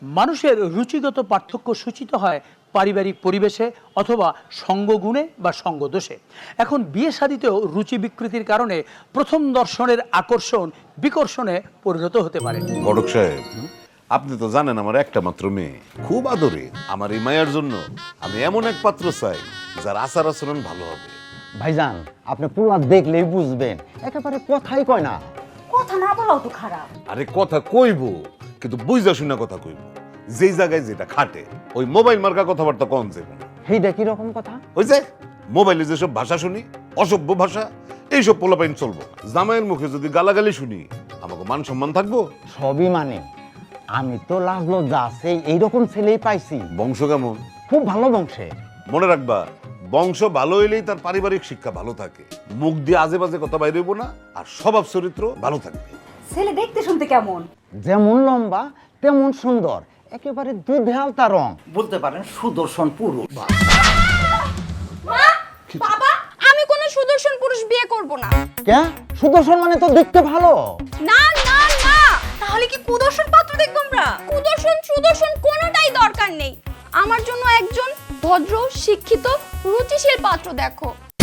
মানুষের রুচিগত পার্থক্য সূচিত হয় পারিবারিক পরিবেশে অথবা সঙ্গগুণে বা সঙ্গদোষে। এখন বিয়ে শাদীতেও রুচি বিকৃতির কারণে প্রথম দর্শনের আকর্ষণ বিকর্ষণে পরিণত হতে পারে। ঘটক সাহেব, আপনি তো জানেন আমার একটা মাত্র মেয়ে, খুব আদরে। আমার এই মায়ের জন্য আমি এমন এক পাত্র চাই যার আচার আচরণ ভালো হবে। ভাইজান, আপনি পুরা দেখলেই বুঝবেন, একেবারে কথাই কয় না। কথা না বলাও তো খারাপ। আরে কথা কইব, কিন্তু বুঝা শুনা কথা কইব। যেই জায়গায় যেটা খাটে, ওই মোবাইল মার্কা কথাবার্তা কম যাবে না। সেইটা কি রকম কথা? ওই যে মোবাইলে যেসব ভাষা শুনি, অসভ্য ভাষা, এইসব পোলাপাইন চলবো না। জামাইয়ের মুখে যদি গালাগালি শুনি, আমাকে মান সম্মান থাকবো? সবই মানে, আমি তো লাজ লজ্জা আছে এইরকম ছেলেই পাইছি। বংশ কেমন? খুব ভালো বংশের। মনে রাখবা, বংশ ভালো হইলেই তার পারিবারিক শিক্ষা ভালো থাকে, মুখ দিয়ে আজে বাজে কথা বাইরে হইব না, আর স্বভাব চরিত্র ভালো থাকবে। ছেলে দেখতে শুনতে কেমন? যেমন লম্বা তেমন সুন্দর, একেবারে দুধে আলতা রং। বলতে পারেন সুদর্শন পুরুষ। বাবা, আমি কোনো সুদর্শন পুরুষ বিয়ে করব না। কে? সুদর্শন মানে তো দেখতে ভালো। না না না, তাহলে কি কুদর্শন পাত্র দেখব আমরা? কুদর্শন সুদর্শন কোনোটাই দরকার নেই, আমার জন্য একজন ভদ্র শিক্ষিত রুচিশীল পাত্র দেখো।